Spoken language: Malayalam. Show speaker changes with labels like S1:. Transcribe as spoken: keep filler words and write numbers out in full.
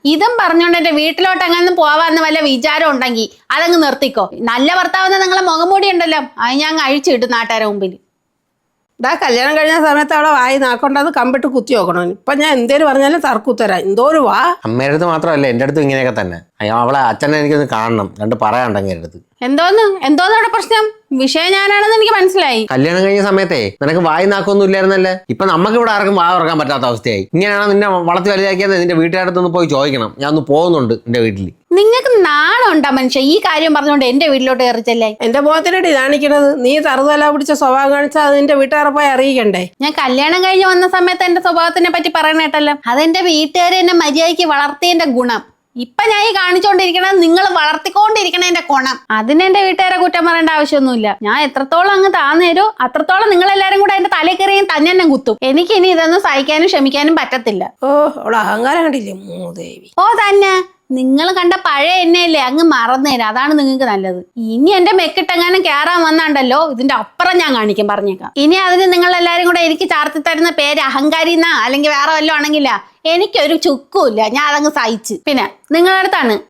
S1: ഇതും പറഞ്ഞോണ്ട് എന്റെ വീട്ടിലോട്ട് അങ്ങനെ പോവാന്ന് വല്ല വിചാരം ഉണ്ടെങ്കിൽ അതങ്ങ് നിർത്തിക്കോ. നല്ല ഭർത്താവെന്ന് നിങ്ങളെ മുഖംമൂടി ഉണ്ടല്ലോ, അത് ഞാൻ അഴിച്ചിട്ടു നാട്ടുകാരെ മുമ്പിൽ.
S2: ഇതാ കല്യാണം കഴിഞ്ഞ സമയത്ത് അവിടെ വായി നാക്കൊണ്ടത് കമ്പിട്ട് കുത്തി നോക്കണം. ഇപ്പൊ ഞാൻ എന്തേലും പറഞ്ഞാലും തർക്കുത്തരാം. എന്തോ ഒരു വാ.
S3: അമ്മയുടെ അടുത്ത് മാത്രമല്ല എൻ്റെ അടുത്തും ഇങ്ങനെയൊക്കെ തന്നെ. അയ്യോ അവളെ അച്ഛനെ എനിക്കൊന്ന് കാണണം, കണ്ട് പറയാനുണ്ടെങ്കിൽ എൻ്റെ അടുത്ത്.
S1: എന്തോന്ന് എന്തോന്ന് അവിടെ പ്രശ്നം? വിഷയം ഞാനാണെന്ന് എനിക്ക് മനസ്സിലായി.
S3: കല്യാണം കഴിഞ്ഞ സമയത്തേ നിനക്ക് വായി നാക്കൊന്നും ഇല്ലായിരുന്നല്ലേ. ഇപ്പൊ നമുക്ക് ഇവിടെ ആർക്കും വാ തുറക്കാൻ പറ്റാത്ത അവസ്ഥയായി. ഇങ്ങനെയാണോ നിന്നെ വളർത്തി വലുതാക്കിയത്? നിന്റെ വീട്ടുകാരടുത്തൊന്ന് പോയി ചോദിക്കണം. ഞാൻ ഒന്ന് പോകുന്നുണ്ട് എന്റെ വീട്ടിൽ.
S1: നിങ്ങൾക്ക് നാണുണ്ടാ മനുഷ്യ ഈ കാര്യം പറഞ്ഞുകൊണ്ട് എന്റെ വീട്ടിലോട്ട് കയറിച്ചല്ലേ?
S2: എന്റെ മുഖത്തിനടി കാണിക്കണത്. നീ തറുതല പിടിച്ച സ്വഭാവം കാണിച്ചാൽ അത് നിന്റെ വീട്ടുകാരെ പോയി അറിയിക്കണ്ടേ?
S1: ഞാൻ കല്യാണം കഴിഞ്ഞ് വന്ന സമയത്ത് എന്റെ സ്വഭാവത്തിനെ പറ്റി പറയണ കേട്ടല്ലോ. അതെന്റെ വീട്ടുകാരെ എന്നെ മര്യാദയ്ക്ക് വളർത്തിയതിന്റെ ഗുണം. ഇപ്പൊ ഞാൻ ഈ കാണിച്ചോണ്ടിരിക്കണത് നിങ്ങൾ വളർത്തിക്കൊണ്ടിരിക്കണതിന്റെ ഗുണം. അതിന് എന്റെ വീട്ടുകാരെ കുറ്റം പറയേണ്ട ആവശ്യമൊന്നുമില്ല. ഞാൻ എത്രത്തോളം അങ്ങ് താന്നേരോ അത്രത്തോളം നിങ്ങൾ എല്ലാരും കൂടെ എന്റെ തലയിൽ കയറിയും തന്നെ തന്നെ കുത്തും. എനിക്ക് ഇനി ഇതൊന്നും സഹിക്കാനും ക്ഷമിക്കാനും പറ്റത്തില്ല.
S2: ഓ അവളെ അഹങ്കാരം കണ്ടില്ലേ മൂദേവി.
S1: ഓ തന്നെ നിങ്ങൾ കണ്ട പഴയ എണ്ണയല്ലേ അങ്ങ് മറന്നേരം. അതാണ് നിങ്ങൾക്ക് നല്ലത്. ഇനി എന്റെ മെക്കിട്ടെങ്ങാനും കയറാൻ വന്നാണ്ടല്ലോ ഇതിന്റെ അപ്പുറം ഞാൻ കാണിക്കും, പറഞ്ഞേക്കാം. ഇനി അതിന് നിങ്ങൾ എല്ലാരും കൂടെ എനിക്ക് ചാർത്തി തരുന്ന പേര് അഹങ്കാരി എന്നാ അല്ലെങ്കിൽ വേറെ വല്ലതും ആണെങ്കിലാ എനിക്കൊരു ചുക്കുമില്ല. ഞാൻ അതങ്ങ് സഹിച്ച്. പിന്നെ നിങ്ങളുടെ അടുത്താണ്